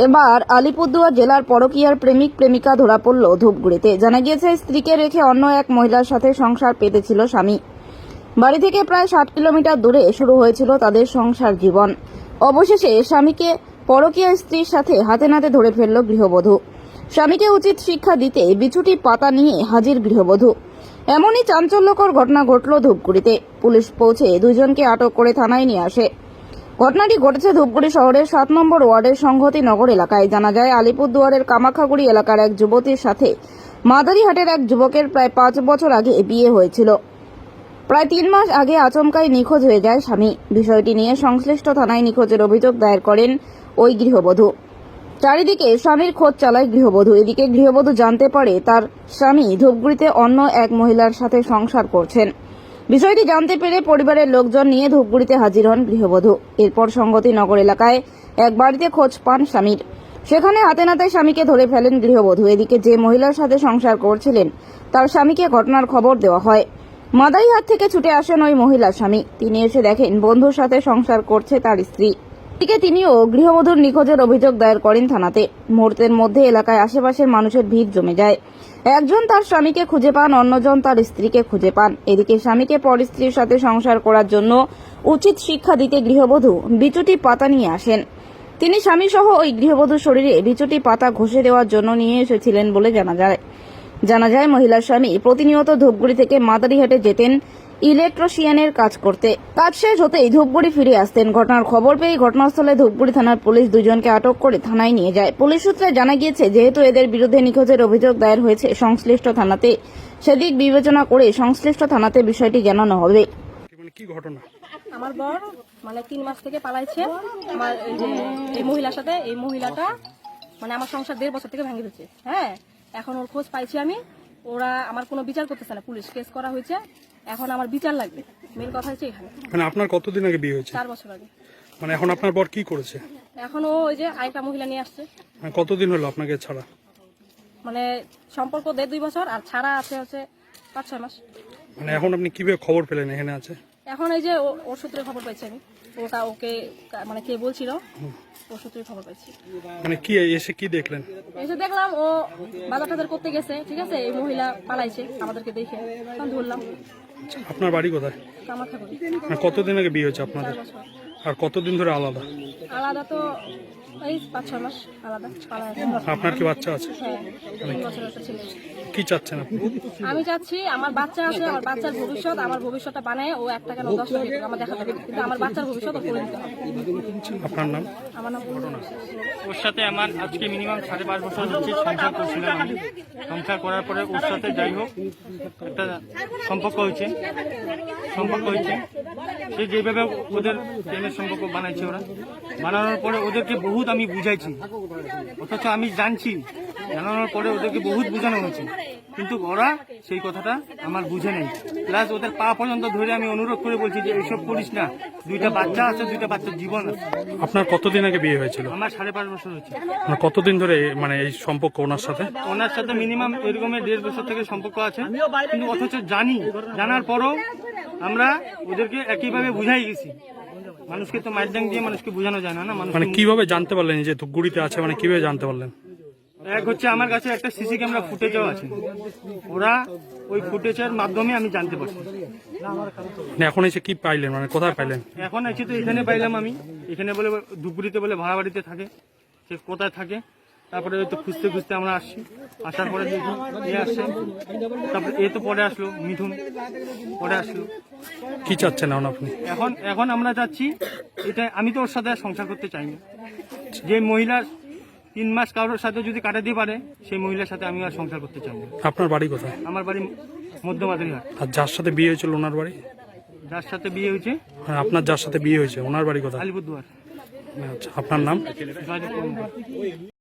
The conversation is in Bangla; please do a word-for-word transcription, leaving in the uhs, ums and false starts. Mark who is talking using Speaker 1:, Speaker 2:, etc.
Speaker 1: এবার আলিপুরদুয়ার জেলার পরকীয়ার প্রেমিক প্রেমিকা ধরা পড়ল ধূপগুড়িতে। জানা গিয়েছে, স্ত্রীকে রেখে অন্য এক মহিলার সাথে সংসার পেতেছিল স্বামী। বাড়ি থেকে প্রায় ষাট কিলোমিটার দূরে শুরু হয়েছিল তাদের সংসার জীবন। অবশেষে স্বামীকে পরকীয়া স্ত্রীর সাথে হাতে নাতে ধরে ফেলল গৃহবধূ। স্বামীকে উচিত শিক্ষা দিতে বিছুটি পাতা নিয়ে হাজির গৃহবধূ। এমনই চাঞ্চল্যকর ঘটনা ঘটল ধূপগুড়িতে। পুলিশ পৌঁছে দুইজনকে আটক করে থানায় নিয়ে আসে। ঘটনাটি ঘটেছে ধূপগুড়ি শহরের সাত নম্বর ওয়ার্ডের সংহতি নগর এলাকায়। জানা যায়, আলিপুরদুয়ারের কামাখাগুড়ি এলাকার এক যুবতীর সাথে মাদারিহাটের এক যুবকের প্রায় পাঁচ বছর আগে বিয়ে হয়েছিল। প্রায় তিন মাস আগে আচমকাই নিখোঁজ হয়ে যায় স্বামী। বিষয়টি নিয়ে সংশ্লিষ্ট থানায় নিখোঁজের অভিযোগ দায়ের করেন ওই গৃহবধূ। চারিদিকে স্বামীর খোঁজ চালায় গৃহবধূ। এদিকে গৃহবধূ জানতে পারে তার স্বামী ধূপগুড়িতে অন্য এক মহিলার সাথে সংসার করছেন। বিষয়টি জানতে পেরে পরিবারের লোকজন নিয়ে ধূপগুড়িতে হাজির হন গৃহবধূ। এরপর সংগতি নগর এলাকায় এক বাড়িতে খোঁজ পান স্বামীর। সেখানে হাতে নাতে স্বামীকে ধরে ফেলেন গৃহবধূ। এদিকে যে মহিলার সাথে সংসার করছিলেন তার স্বামীকে ঘটনার খবর দেওয়া হয়। মাদারিহাট থেকে ছুটে আসেন ওই মহিলার স্বামী। তিনি এসে দেখেন বন্ধুর সাথে সংসার করছে তার স্ত্রী। এদিকে তিনিও গৃহবধূর নিখোঁজের অভিযোগ দায়ের করেন থানাতে। মুহূর্তের মধ্যে এলাকায় আশেপাশের মানুষের ভিড় জমে যায়। একজন তার স্বামীকে খুঁজে পান, অন্যজন তার স্ত্রীকে খুঁজে পান। এদিকে স্বামীকে পর স্ত্রীর সাথে সংসার করার জন্য উচিত শিক্ষা দিতে গৃহবধূ বিচুটি পাতা নিয়ে আসেন। তিনি স্বামী সহ ওই গৃহবধূর শরীরে বিচুটি পাতা ঘষে দেওয়ার জন্য নিয়ে এসেছিলেন বলে জানা যায়। জানা যায় মহিলার স্বামী প্রতিনিয়ত ধূপগুড়ি থেকে মাদারিহাটে যেতেন ইলেকট্রিশিয়ানের কাজ করতে। কাজ শেষ হতেই ধূপগুড়ি ফিরে আসতেন। ঘটনার খবর পেয়ে ঘটনাস্থলে ধূপগুড়ি থানার পুলিশ দুজনকে আটক করে থানায় নিয়ে যায়। পুলিশ সূত্রে জানা গিয়েছে, যেহেতু এদের বিরুদ্ধে নিখোঁজের অভিযোগ দায়ের হয়েছে সংশ্লিষ্ট থানাতে, সেদিক বিবেচনা করে সংশ্লিষ্ট থানাতে বিষয়টি জানানো হবে।
Speaker 2: কি ঘটনা?
Speaker 3: আমার বর মানে তিন মাস থেকে পালাইছে আমার এই যে এই মহিলার সাথে। এই মহিলাটা মানে আমার সংসার দেড় বছর থেকে ভেঙে দিচ্ছে। হ্যাঁ, এখন ওর খোঁজ পাইছি আমি। ওরা আমার কোনো বিচার করতেছে না, পুলিশ কেস করা হয়েছে। এখন আমার বিচার লাগবে, মেন কথা হচ্ছে এখানে।
Speaker 2: মানে আপনার কতদিন আগে বিয়ে হয়েছে?
Speaker 3: চার বছর আগে।
Speaker 2: মানে এখন আপনার বর কি করেছে?
Speaker 3: এখন ও ওই যে আরেকটা মহিলা নিয়ে আসছে।
Speaker 2: মানে কতদিন হলো আপনাকে ছাড়া?
Speaker 3: মানে সম্পর্ক দেড় দুই বছর, আর ছাড়া আছে হচ্ছে পাঁচ ছয় মাস।
Speaker 2: মানে এখন আপনি কিভাবে খবর পেলেন এখানে আছে?
Speaker 3: এখন এই যে ও- ওর সূত্রে খবর পাইছি আমি। ওটা ওকে মানে কে বলছিল, ওর সূত্রে খবর পাইছি।
Speaker 2: মানে কি এসে কি দেখলেন?
Speaker 3: এসে দেখলাম ও বাজার টাজার করতে গেছে, ঠিক আছে। এই মহিলা পালাইছে আমাদেরকে দেখে, তখন ধরলাম।
Speaker 2: আপনার বাড়ি কোথায়?
Speaker 3: কামাখাগুড়ি।
Speaker 2: মানে কতদিন আগে বিয়ে হয়েছে আপনাদের?
Speaker 3: চার বছর।
Speaker 2: আর কতদিন ধরে আলাদা?
Speaker 3: আলাদা তো এই পাঁচ ছয় মাস আলাদা পালায়।
Speaker 2: আপনার কি বাচ্চা আছে?
Speaker 3: হ্যাঁ, তিন বছর একটা ছেলে।
Speaker 2: কি চাচ্ছেন আপনি?
Speaker 3: আমি চাচ্ছি আমার বাচ্চা আছে, আমার বাচ্চার ভবিষ্যৎ, আমার ভবিষ্যৎটা বানায় ও একটা কেন দশটা দিক আমার দেখাতে হবে, কিন্তু আমার বাচ্চার ভবিষ্যৎ ও করে দিতে হবে।
Speaker 2: আপনার নাম?
Speaker 3: আমার নাম ঘটনা।
Speaker 4: ওর সাথে আমার আজকে মিনিমাম সাড়ে পাঁচ বছর হচ্ছে সংসার করছিলাম আমি। সংসার করার পরে ওর সাথে যাই হোক একটা সম্পর্ক হয়েছে সম্পর্ক হয়েছে সে যেভাবে ওদের প্রেমের সম্পর্ক বানাইছে, ওরা বানানোর পরে ওদেরকে বহুত আমি বুঝাইছি, অথচ আমি জানছি, জানানোর পরে ওদেরকে বহুত বোঝানো হয়েছে, কিন্তু ওরা সেই কথাটা আমার বুঝে নেই। প্লাস ওদের পা পর্যন্ত ধরে আমি অনুরোধ করে বলছি যে এইসব করিস না, দুইটা বাচ্চা আছে, দুইটা বাচ্চার জীবন আছে।
Speaker 2: আপনার কতদিন আগে বিয়ে হয়েছিল?
Speaker 4: আমার সাড়ে পাঁচ বছর হচ্ছে।
Speaker 2: মানে কতদিন ধরে মানে এই সম্পর্ক ওনার সাথে?
Speaker 4: ওনার সাথে মিনিমাম এরকমের দেড় বছর থেকে সম্পর্ক আছে, কিন্তু অথচ জানি, জানার পরও আমরা ওদেরকে একইভাবে বুঝাই গেছি। মানুষকে তো মাইরডাং দিয়ে মানুষকে বোঝানো যায় না না মানুষ।
Speaker 2: মানে কিভাবে জানতে পারলেন যে ধূপগুড়িতে আছে? মানে কিভাবে জানতে পারলেন?
Speaker 4: এক হচ্ছে আমার কাছে একটা সিসি ক্যামেরা ফুটেজও আছে, ওরা ওই ফুটেজের মাধ্যমে আমি জানতে পারছি।
Speaker 2: মানে এখন এসে কি পাইলেন? মানে কোথায় পাইলেন?
Speaker 4: এখন আছি তো এখানে পাইলাম আমি, এখানে বলে ধূপগুড়িতে বলে ভাড়া বাড়িতে থাকে, সে কোথায় থাকে। তারপরে ওই তো খুঁজতে খুঁজতে আমরা আসছি, আসার পরে দেখি এ আসছে, তারপরে এ তো পরে আসলো, মিঠুন পরে আসলো।
Speaker 2: কি চাচ্ছেন এখন আপনি?
Speaker 4: এখন এখন আমরা যাচ্ছি, এটা আমি তো ওর সাথে আর সংসার করতে চাই না। যে মহিলার তিন মাস কারোর সাথে যদি কাটাতে পারে, সেই মহিলার সাথে আমি আর সংসার করতে চাই না।
Speaker 2: আপনার বাড়ি কোথায়?
Speaker 4: আমার বাড়ি মধ্য মাদারিহাট।
Speaker 2: আর যার সাথে বিয়ে হয়েছিল ওনার বাড়ি?
Speaker 4: যার সাথে বিয়ে হয়েছে
Speaker 2: মানে আপনার যার সাথে বিয়ে হয়েছে ওনার বাড়ি কোথায়?
Speaker 4: আলিপুরদুয়ার।
Speaker 2: আচ্ছা, আপনার নাম?
Speaker 4: জয়দেব কর্মকার।